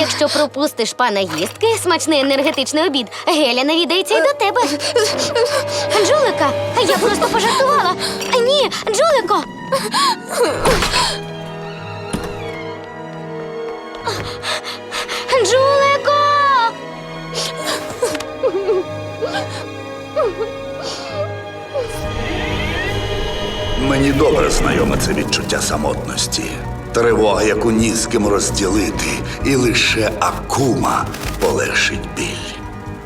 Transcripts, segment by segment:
Якщо пропустиш пана їстки, смачний енергетичний обід, Геля навідається й до тебе. Джулика, я просто пожартувала. Ні, Джулико! Джулико! Мені добре знайоме це відчуття самотності. Тривога, яку ні з ким розділити, і лише Акума полегшить біль.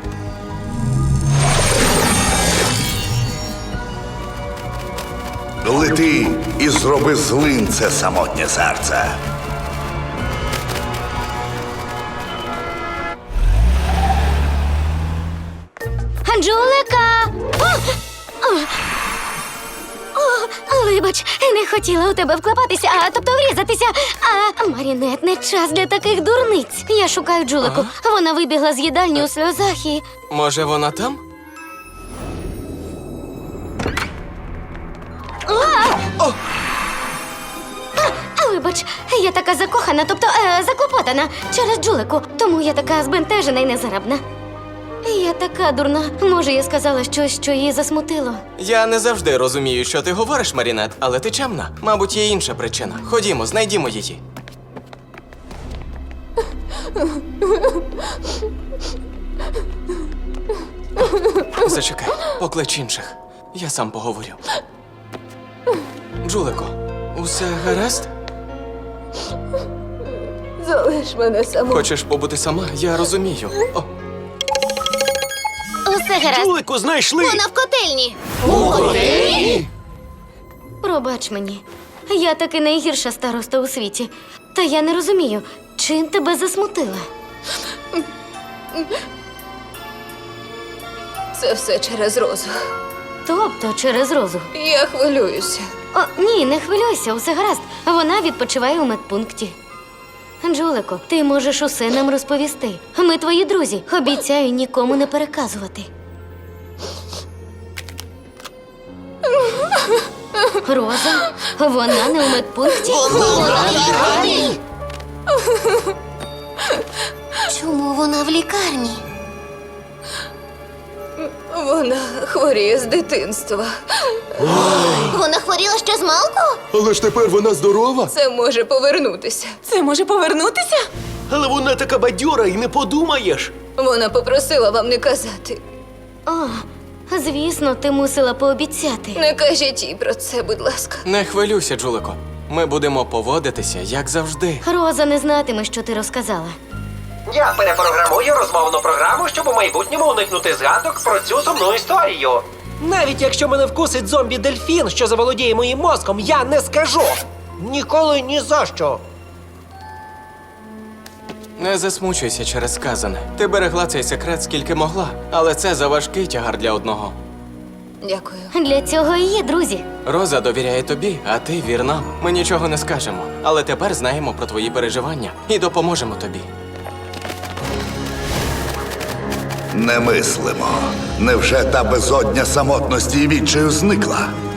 Лети і зроби злим це самотнє серце. Джулика! Вибач, не хотіла у тебе вклапатися, тобто врізатися. Марінет, не час для таких дурниць. Я шукаю Джулику. Вона вибігла з їдальні у сльозах і... Може, вона там? Вибач, я така закохана, тобто заклопотана через Джулику. Тому я така збентежена і незарабна. Я така дурна. Може, я сказала щось, що її засмутило. Я не завжди розумію, що ти говориш, Марінет, але ти чемна. Мабуть, є інша причина. Ходімо, знайдімо її. Зачекай, поклич інших. Я сам поговорю. Джулико, усе гаразд? Залиш мене саму. Хочеш побути сама? Я розумію. О, Усе гаразд. Джулику знайшли! Вона в котельні. Пробач мені. Я таки найгірша староста у світі. Та я не розумію, чим тебе засмутила? Це все через Розу. Тобто через Розу. Я хвилююся. Ні, не хвилюйся, усе гаразд. Вона відпочиває у медпункті. Джулико, ти можеш усе нам розповісти. Ми твої друзі. Обіцяю нікому не переказувати. Роза? Вона не у медпункті? Чому вона в лікарні? Вона хворіє з дитинства. Вона хворіла ще з малку? Але ж тепер вона здорова. Це може повернутися. Це може повернутися? Але вона така бадьора і не подумаєш. Вона попросила вам не казати. Звісно, ти мусила пообіцяти. Не кажіть їй про це, будь ласка. не хвилюйся, Джулико. Ми будемо поводитися, як завжди. Роза не знатиме, що ти розказала. Я перепрограмую розмовну програму, щоб у майбутньому уникнути згадок про цю сумну історію. Навіть якщо мене вкусить зомбі-дельфін, що заволодіє моїм мозком, я не скажу. Ніколи ні за що. Не засмучуйся через сказане. Ти берегла цей секрет скільки могла, але це заважкий тягар для одного. Дякую. Для цього і є друзі. Роза довіряє тобі, а ти вір нам. Ми нічого не скажемо, але тепер знаємо про твої переживання і допоможемо тобі. Не мислимо. Невже та безодня самотності і відчаю зникла?